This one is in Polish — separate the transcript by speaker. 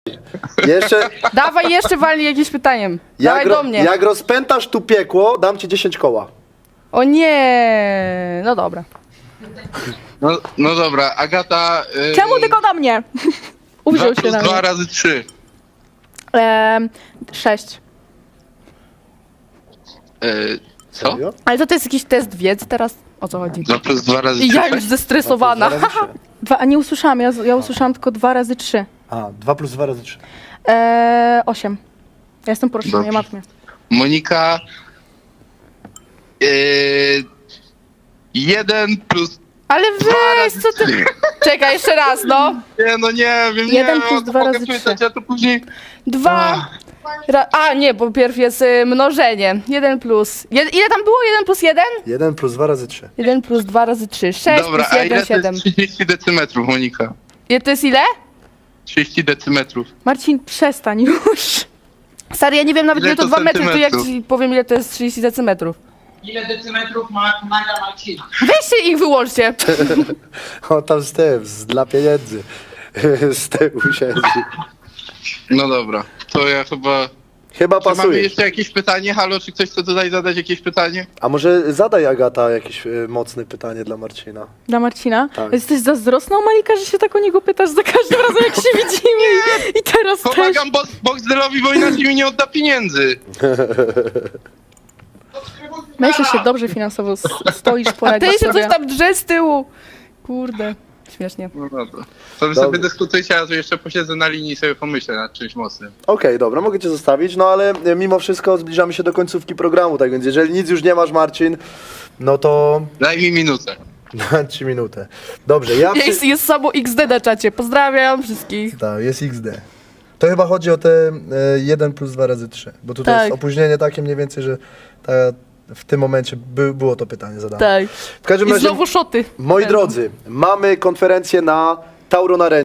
Speaker 1: Jeszcze,
Speaker 2: Dawaj jeszcze walnij jakimś pytaniem. Dawaj do mnie.
Speaker 1: jak rozpętasz tu piekło, dam ci 10 koła.
Speaker 2: O nie. No dobra.
Speaker 3: No dobra, Agata...
Speaker 4: Czemu tylko do mnie?
Speaker 3: 2
Speaker 2: Uwziął się
Speaker 3: plus
Speaker 2: na
Speaker 3: 2
Speaker 2: mnie.
Speaker 3: razy 3.
Speaker 4: 6.
Speaker 3: Co?
Speaker 1: Serio?
Speaker 2: Ale to jest jakiś test wiedzy teraz? O co chodzi?
Speaker 3: 2 plus 2 razy 3.
Speaker 2: I ja już zestresowana.
Speaker 1: 2 plus 2 razy 3.
Speaker 4: A nie usłyszałam, ja usłyszałam tylko 2 razy 3.
Speaker 1: A, 2 plus 2 razy 3.
Speaker 4: 8. Ja jestem po roszczeniu,
Speaker 3: Dobrze.
Speaker 4: matmie.
Speaker 3: Monika... 1 plus...
Speaker 2: Ale weź, co ty... Czekaj, jeszcze raz, no.
Speaker 3: Nie, no nie wiem, nie
Speaker 4: 1
Speaker 3: wiem,
Speaker 4: plus
Speaker 3: o to
Speaker 4: 2
Speaker 3: mogę
Speaker 4: razy
Speaker 3: pytać,
Speaker 4: 3.
Speaker 3: a to później...
Speaker 2: 2... A, nie, bo pierw jest mnożenie. 1 plus... Ile tam było? 1 plus 1?
Speaker 1: 1 plus 2 razy 3.
Speaker 2: 1 plus 2 razy 3. 6
Speaker 3: Dobra,
Speaker 2: plus
Speaker 3: a
Speaker 2: 1,
Speaker 3: ile
Speaker 2: 7.
Speaker 3: to jest 30 decymetrów, Monika?
Speaker 2: To jest ile?
Speaker 3: 30 decymetrów.
Speaker 4: Marcin, przestań już.
Speaker 2: Stary, ja nie wiem nawet
Speaker 3: Ile
Speaker 2: ile to
Speaker 3: to
Speaker 2: 2 metry, to jak
Speaker 3: centymetrów?
Speaker 2: ci powiem ile to jest 30 decymetrów.
Speaker 5: Ile decymetrów ma naga Marcina?
Speaker 2: Weźcie ich wyłączcie.
Speaker 1: O, tam z tym, dla pieniędzy. Z tyłu siedzi.
Speaker 3: No dobra, to ja chyba...
Speaker 1: Chyba
Speaker 3: Czy mamy
Speaker 1: pasuje.
Speaker 3: jeszcze jakieś pytanie? Halo, czy ktoś chce tutaj zadać jakieś pytanie?
Speaker 1: A może zadaj, Agata, jakieś mocne pytanie dla Marcina.
Speaker 4: Dla Marcina?
Speaker 1: Tak.
Speaker 4: Jesteś zazdrosna, Malika, że się tak o niego pytasz za każdym razem, jak się widzimy. I teraz też.
Speaker 3: Pomagam Boxdelowi, bo inaczej mi nie odda pieniędzy.
Speaker 4: Myślę, że się dobrze finansowo stoisz,
Speaker 2: A
Speaker 4: poradzisz
Speaker 2: ty się
Speaker 4: sobie.
Speaker 2: coś tam drze z tyłu. Kurde. Śmiesznie.
Speaker 3: No dobra. To wy
Speaker 1: Dobra.
Speaker 3: sobie dyskutujcie, a tu jeszcze posiedzę na linii i sobie pomyślę nad czymś mocnym.
Speaker 1: Okej, dobra, mogę cię zostawić, no ale mimo wszystko zbliżamy się do końcówki programu, tak więc jeżeli nic już nie masz, Marcin, no to
Speaker 3: Daj mi minutę.
Speaker 1: dam ci minutę. Dobrze, ja...
Speaker 2: Jest samo XD na czacie. Pozdrawiam wszystkich.
Speaker 1: Tak, jest XD. To chyba chodzi o te 1 plus 2 razy 3, bo tutaj
Speaker 2: Tak.
Speaker 1: jest opóźnienie takie mniej więcej, że w tym momencie było to pytanie zadane.
Speaker 2: Tak.
Speaker 1: W każdym
Speaker 2: I
Speaker 1: razie,
Speaker 2: znowu szoty.
Speaker 1: moi
Speaker 2: Będą.
Speaker 1: drodzy, mamy konferencję na Tauron Arenie.